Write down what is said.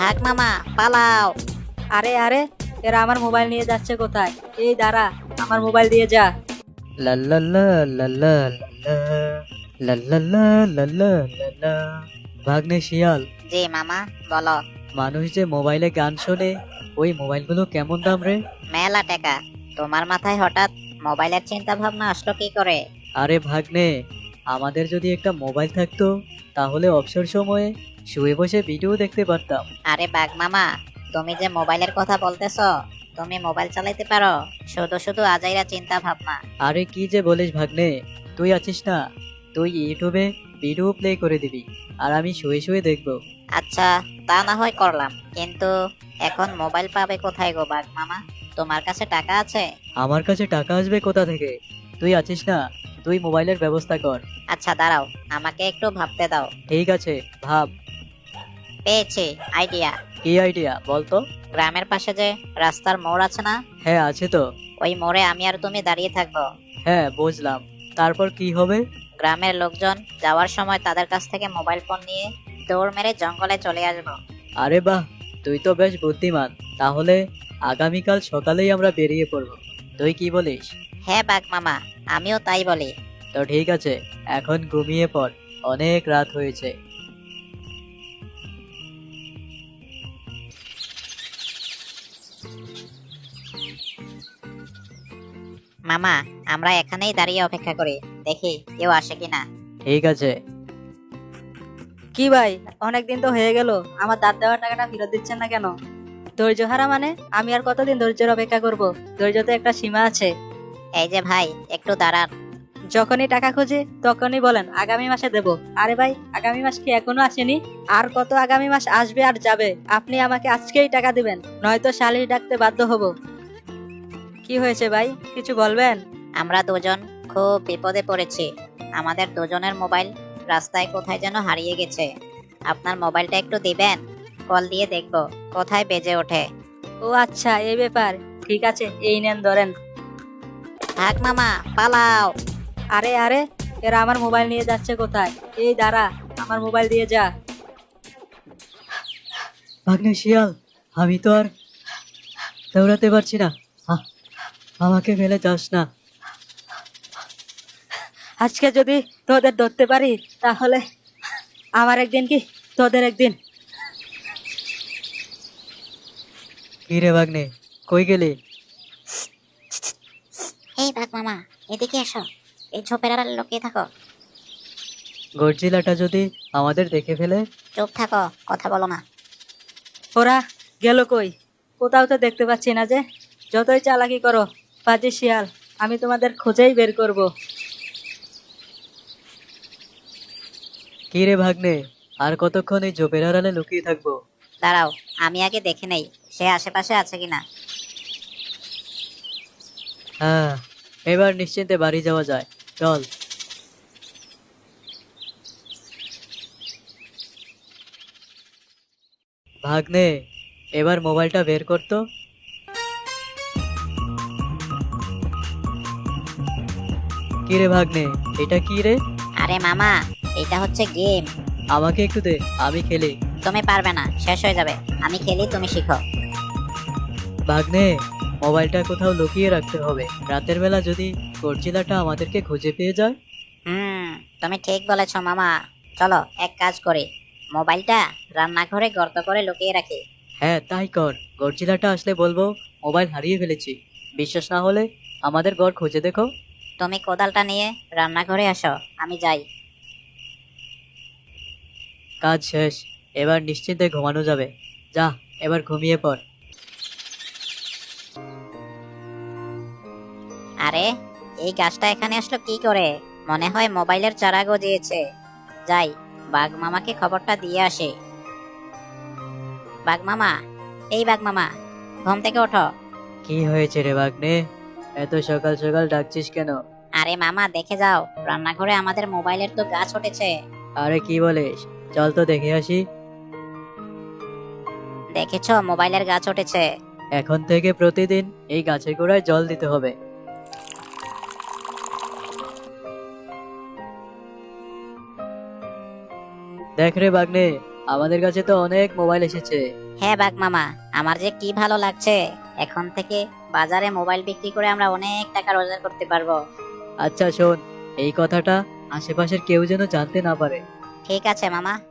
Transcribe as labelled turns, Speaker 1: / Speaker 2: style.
Speaker 1: ভাগ মামা, পালাও।
Speaker 2: আরে আরে, এরা আমার মোবাইল নিয়ে যাচ্ছে কোথায়? এই দাঁড়া, আমার মোবাইল দিয়ে যা।
Speaker 3: লা লা লা লা লা লা লা লা লা লা লা লা লা। ভাগ্নে শিয়াল,
Speaker 1: জি মামা, বলো।
Speaker 3: মানুষ যে মোবাইলে গান শোনে, ওই মোবাইলগুলো কেমন দাম রে?
Speaker 1: মেলা টাকা। তোমার মাথায় হঠাৎ মোবাইলের চিন্তা ভাবনা আসলো কি করে?
Speaker 3: আরে ভাগ্নে, আমাদের যদি একটা মোবাইল থাকতো তাহলে অবসর সময়ে শুয়ে বসে ভিডিও দেখতে পারতাম।
Speaker 1: আরে বাঘ মামা, তুমি যে মোবাইলের কথা বলতেছো, তুমি মোবাইল চালাইতে পারো? শুধু শুধু আজাইরা চিন্তা ভাবনা।
Speaker 3: আরে কি যে বলিস ভাগ্নে, তুই আছিস না, তুই ইউটিউবে ভিডিও প্লে করে দিবি আর আমি শুয়ে শুয়ে দেখবো।
Speaker 1: আচ্ছা, তা না হয় করলাম, কিন্তু এখন মোবাইল পাবে কোথায় গো বাঘ মামা? তোমার কাছে টাকা আছে?
Speaker 3: আমার কাছে টাকা আসবে কোথা থেকে? তুই আছিস না, তুই মোবাইলের ব্যবস্থা কর।
Speaker 1: আচ্ছা দাঁড়াও, আমাকে একটু ভাবতে দাও।
Speaker 3: ঠিক আছে, ভাব।
Speaker 1: পেয়েছি আইডিয়া।
Speaker 3: কি আইডিয়া বলতো?
Speaker 1: গ্রামের পাশে যে রাস্তার মোড় আছে না,
Speaker 3: হ্যাঁ আছে তো।
Speaker 1: ওই মোড়ে আমি আর তুমি দাঁড়িয়ে থাকবো।
Speaker 3: হ্যাঁ বুঝলাম, তারপর কি হবে?
Speaker 1: গ্রামের লোকজন যাওয়ার সময় তাদের কাছ থেকে মোবাইল ফোন নিয়ে দৌড় মেরে জঙ্গলে চলে আসবো।
Speaker 3: আরে বাহ, তুই তো বেশ বুদ্ধিমান। তাহলে আগামীকাল সকালেই আমরা বেরিয়ে পড়বো, তুই কি বলিস?
Speaker 1: হ্যাঁ বাঘ মামা, আমিও তাই বলি।
Speaker 3: তো ঠিক আছে, এখন ঘুমিয়ে পড়, অনেক রাত হয়েছে।
Speaker 1: মামা, আমরা এখানেই দাঁড়িয়ে অপেক্ষা করি, দেখি কেউ আসে কিনা।
Speaker 3: ঠিক আছে।
Speaker 2: কি ভাই, অনেকদিন তো হয়ে গেল, আমার দাঁত দেওয়ার টাকাটা ফেরত দিচ্ছেন না কেন? ধৈর্য হারা মানে? আমি আর কতদিন ধৈর্যের অপেক্ষা করব? ধৈর্যতে একটা সীমা আছে।
Speaker 1: এই যে ভাই, একটু দাঁড়ান।
Speaker 2: যখনই টাকা খুঁজি তখনই বলেন আগামী মাসে দেব। আরে ভাই, আগামী মাস কি এখনো আসেনি? আর কত আগামী মাস আসবে আর যাবে? আপনি আমাকে আজকেই টাকা দিবেন, নয়তো শালিশ ডাকতে বাধ্য হব। কি হয়েছে ভাই, কিছু বলবেন?
Speaker 1: আমরা দুজন খুব বিপদে পড়েছি। আমাদের দুজনের মোবাইল রাস্তায় কোথায় যেন হারিয়ে গেছে। আপনার মোবাইলটা একটু দিবেন? কল দিয়ে দেখবো কোথায় বেজে ওঠে।
Speaker 2: ও আচ্ছা, এই ব্যাপার। ঠিক আছে, এই নেন ধরেন।
Speaker 1: ভাগ মামা, পালাও।
Speaker 2: আরে আরে, এরা আমার মোবাইল নিয়ে যাচ্ছে কোথায়? এই দাঁড়া, আমার মোবাইল দিয়ে যা।
Speaker 3: ভাগ্নে শিয়াল, আমি তো আর দৌড়াতে পারছি না, আ- আমাকে ফেলে যাস না।
Speaker 2: আজকে যদি তোদের ধরতে পারি তাহলে আমার একদিন কি তোদের একদিন।
Speaker 3: কি রে ভাগ্নে, কই গেলি?
Speaker 1: এই ভাগ মামা, এদিকে এসো। এই ঝোপের আড়ালে লুকিয়ে থাকো।
Speaker 3: গডজিলাটা যদি আমাদের দেখে ফেলে?
Speaker 1: চুপ থাকো, কথা বলো না।
Speaker 2: ওরা গেল কই? কোথাও তো দেখতে পাচ্ছি না যে। যতই চালাকি করো পাজি শিয়াল, আমি তোমাদের খোঁজেই বের করব।
Speaker 3: কি রে ভাগ্নে, আর কতক্ষণ এই ঝোপের আড়ালে লুকিয়ে থাকবো?
Speaker 1: দাঁড়াও, আমি আগে দেখে নেই সে আশেপাশে আছে কিনা।
Speaker 3: হ্যাঁ, এবার নিশ্চিন্তে বাড়ি যাওয়া যায়, চল। ভাগ্নে, এবার মোবাইলটা বের করতো। কি রে ভাগ্নে, এটা কি রে?
Speaker 1: আরে মামা, এটা হচ্ছে গেম।
Speaker 3: আমাকে একটু দে, আমি খেলি।
Speaker 1: তুমি পারবে না, শেষ হয়ে যাবে। আমি খেলি, তুমি শিখো।
Speaker 3: ভাগ্নে, মোবাইলটা কোথাও লুকিয়ে রাখতে হবে, রাতের বেলা যদি গডজিলাটা আমাদেরকে খুঁজে পেয়ে যায়।
Speaker 1: হুম, তুমি ঠিক বলেছো মামা। চলো এক কাজ করি, মোবাইলটা রান্নাঘরে গর্ত করে লুকিয়ে রাখি।
Speaker 3: হ্যাঁ তাই কর, গডজিলাটা আসলে বলবো মোবাইল হারিয়ে ফেলেছি। বিশ্বাস না হলে আমাদের ঘর খুঁজে দেখো।
Speaker 1: তুমি কোদালটা নিয়ে রান্নাঘরে আসো, আমি যাই।
Speaker 3: কাজ শেষ, এবার নিশ্চিন্তে ঘুমানো যাবে। যা, এবার ঘুমিয়ে পড়।
Speaker 1: আরে, এই গাছটা এখানে আসলো কি করে? মনে হয় মোবাইলের চারা গজিয়েছে। যাই, বাঘ মামাকে খবরটা দিয়ে আসি। বাঘ মামা, এই বাঘ মামা, ঘুম থেকে ওঠো।
Speaker 3: কি হয়েছে রে ভাগ্নে, এত সকাল সকাল ডাকছিস কেন?
Speaker 1: আরে মামা, দেখে যাও, রান্নাঘরে আমাদের মোবাইলের তো গাছ উঠেছে।
Speaker 3: আরে কি বলিস, চল তো দেখে আসি।
Speaker 1: দেখেছো, মোবাইলের গাছ উঠেছে।
Speaker 3: এখন থেকে প্রতিদিন এই গাছের গোড়ায় জল দিতে হবে। দেখ রে ভাগ্নে, আমাদের কাছে তো অনেক মোবাইল এসেছে।
Speaker 1: হ্যাঁ বাঘ মামা, আমার যে কি ভালো লাগছে। এখন থেকে বাজারে মোবাইল বিক্রি করে আমরা অনেক টাকা রোজগার করতে পারবো।
Speaker 3: আচ্ছা শোন, এই কথাটা আশেপাশের কেউ যেন জানতে না পারে।
Speaker 1: ঠিক আছে মামা।